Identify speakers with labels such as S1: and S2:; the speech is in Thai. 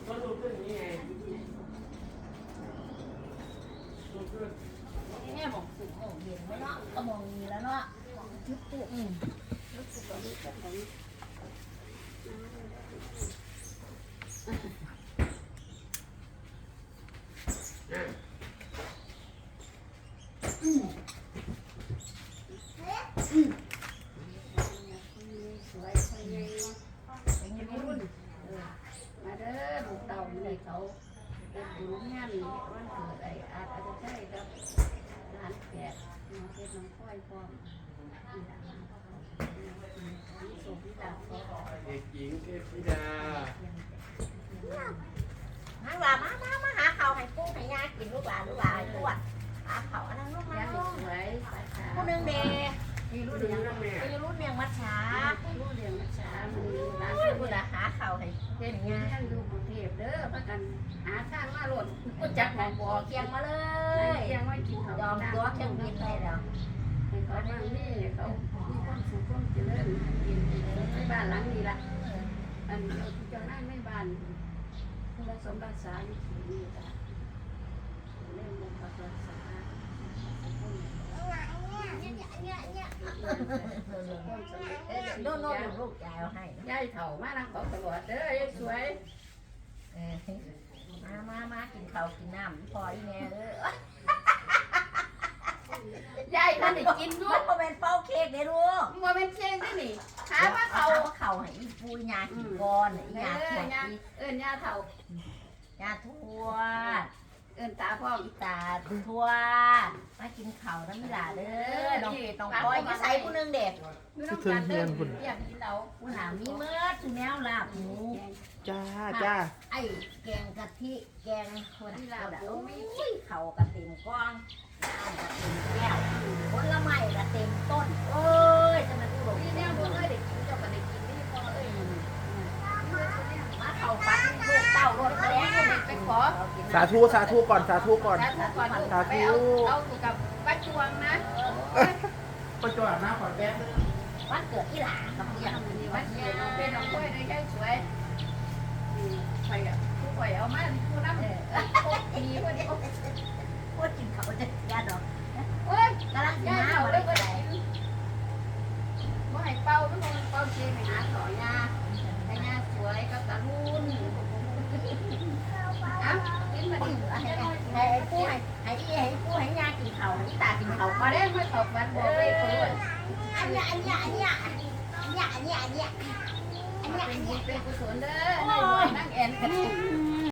S1: ก็ดูขึ้นนี่ไงดูขึ้น
S2: แม่บอกสุกมองเห็นไหมเนาะก็มองมีแล้วเนาะจุดตุกสวยสวยเลยเป็นยังไงรุ่นมาเด้อลูกเต่าเลยเขาเป็นบุญงานวันเกิดไอ้อาจจะใช่ครับร้านแขกน้องเพชรน้องค่อยพร้อมส่งที่ดาวเขา
S1: เด็กหญิงเทพธิดา
S2: นั่งหลามาหาเขาให้กุ้งให้ยากินลูกหลานตรวจหาเขาอันนั้นลูกมาลูกผู้หนึ่งเดย์มีรุ่นเรียงมัดช้ารุ่นเรียงมัดช้ามันร้านผู้ละหาเขาให้เป็นงานดูกรุงเทพเด้อพักกันหาทางมาหล่นก็จักหมองบ่อเคียงมาเลยเคียงไว้กินเขายอมตัวเคียงกินได้แล้วเขาบ้านนี่เขามีความสุขความเจริญกินในบ้านหลังนี้ละอันเราที่เจ้าหน้าไม่บ้านผู้รักสมรักษาอยู่ที่นี่จ้ะเล่นมุกรักษาโน่นลูกยายเอาให้ยายเถ่ามานั่งบอกตลอดเด้อยายสวยมากินข้าวกินน้ำพออีแม่ยายท่านได้กินด้วยโมเป็นเป้าเค้กเด้อลูกโมเป็นเค้กได้หนิหาว่าเขาให้อีปูยากินก้อนอียาถั่วยาเถ่ายาทั่วตาพ่ออีตาทั่วมากินข้าวน้ำมิลาเด้อน้องก้อยมาใส่ผู้นึงเด็กคือเทิงเฮียนคุณอยากกินเราผู้หนามีเมื่อถึงแนวลาบหมู
S3: จ้า
S2: ไอ้แกงกะทิแกงคนที่ลาบโอ้ยเขากระเต็มก้อนน้ำกระเต็มแก้วผลไม้กระเต็มต้นเอ้ยจะมาดูหลงที่แนวดูเลยเด็กกินเจ้าก็ได้กินไม่พอเอ้ยมาเขาฟันลูกเต้ารถมาแล้วไปขอ
S3: สาธุก่อน
S1: สาธุเอากับป้าจวงนะ
S3: ป้าจวงนะขอแป๊บ
S2: วันเกิดที่หลานกับเพื่อน
S1: วันเกิดเป็นน้องก้อยเลยยายสวยใครอ่ะผู้ป่วยเอามาผู้น้ำดีพอดี
S2: พูดกินเขาจะยาดอก
S1: โอ้ย
S2: กำลัง
S1: ยาย
S2: น้า
S1: เอา
S2: อะ
S1: เล
S2: ไร
S1: ยก็ได้ว่าให้เป่าไม่คงเป่าเชียงหาต่อยาแต่ยาสวยก็ตะลุ่นอ่ะกินมาดิ
S2: ให้ผู้ให้ยากินเขาให้ตากินเขา
S1: มาได้ไม่ตกมันบอกเลยคน
S2: อันเนี้ย
S1: เป็นกุศลเด้อในวันนั่งแอนกัน